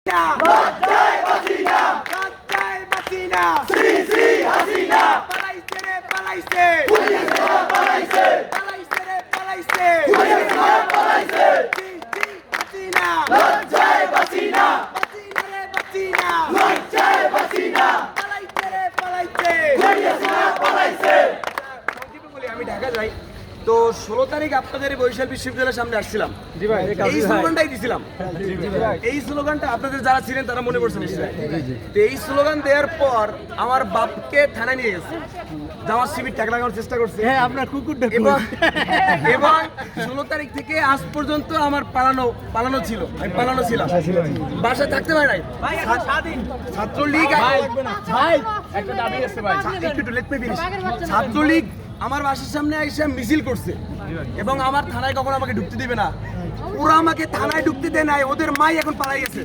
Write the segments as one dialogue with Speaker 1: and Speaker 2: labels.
Speaker 1: লজ্জায় বাঁচি না, লজ্জায় বাঁচি না। শ্রী শ্রী হাসিনা পালাইছে রে পালাইছে, পালাইছে পালাইছে, পালাইছে রে পালাইছে, পালাইছে। শ্রী শ্রী হাসিনা লজ্জায় বাঁচি না, বাঁচি না রে বাঁচি না, লজ্জায় বাঁচি না। পালাইছে রে পালাইছে, পালাইছে। সংক্ষেপে বলি, আমি ঢাকা যাই তো 16 তারিখ আপনাদের বরিশাল বিশ্ববিদ্যালয়ের সামনে আসছিলাম। জি ভাই, এই স্লোগানটাই দিছিলাম। এই স্লোগানটা আপনাদের যারা ছিলেন তারা মনে করছেন নিশ্চয়ই। তো এই স্লোগান দেওয়ার পর আমার বাপকে থানায় নিয়ে গেছে, জামাত শিবির টাকা লাগানোর চেষ্টা করছে। হ্যাঁ, আপনার কুকুরটা। এবং 16 তারিখ থেকে আজ পর্যন্ত আমার পালানো ছিল, আমি পালানো ছিলাম, বাসায় থাকতে পারি নাই। ছাত্রলীগ একটা দাবি আছে ভাই, একটু লেট মে ফিনিশ। ছাত্রলীগ আমার বাসার সামনে এসে মিছিল করছে এবং আমার থানায় কখনো আমাকে ঢুকতে দিবে না। ওরা আমাকে থানায় ঢুকতে দেয় নাই, ওদের মাই এখন পালাই গেছে।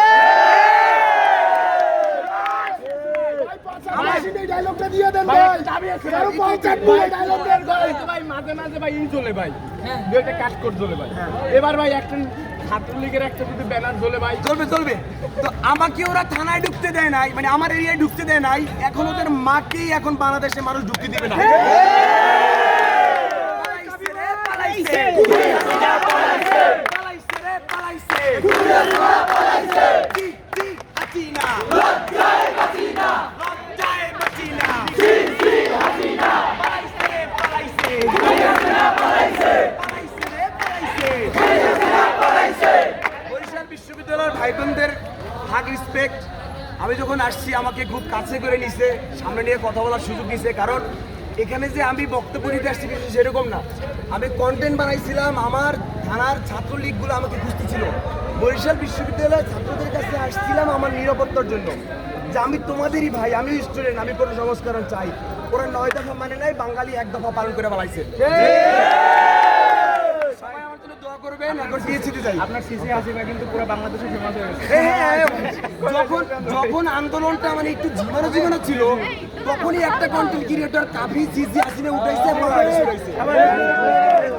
Speaker 2: এবার ভাই একটা ছাত্রলীগের একটা যদি ব্যানার জ্বলে ভাই
Speaker 1: চলবে। তো আমাকে ওরা থানায় ঢুকতে দেয় নাই, মানে আমার এরিয়ায় ঢুকতে দেয় নাই। এখন ওদের মাকেই এখন বাংলাদেশে মানুষ ঢুকতে দিবে না। বরিশাল বিশ্ববিদ্যালয়ের ভাই বোনদের হাগ রেসপেক্ট। আমি যখন আসছি আমাকে খুব কাছে করে নিছে, সামনে নিয়ে কথা বলার সুযোগ দিছে। কারণ এখানে যে আমি বক্তব্য দিতে আসছি কিছু সেরকম না, আমি কন্টেন্ট বানাইছিলাম। আমার থানার ছাত্রলীগগুলো আমাকে খুঁজতেছিল। বরিশাল বিশ্ববিদ্যালয়ের ছাত্রদের কাছে আসছিলাম আমার নিরাপত্তার জন্য, যে আমি তোমাদেরই ভাই, আমি স্টুডেন্ট, আমি কোনো সংস্করণ চাই। ওরা 9 দফা মানে নাই, বাঙালি 1 দফা পালন করে বলাইছে। সবাই আমার জন্য দোয়া করবেন। এখন পিএইচডি যাই।
Speaker 2: আপনার সিসি হাসিনা কিন্তু পুরো বাংলাদেশে ফেমাস হয়ে গেছে।
Speaker 1: যখন আন্দোলনটা মানে একটু জীবন ছিল, তখনই একটা কন্টেন্ট ক্রিয়েটর কাফি সিসি হাসিনা উঠাইছে।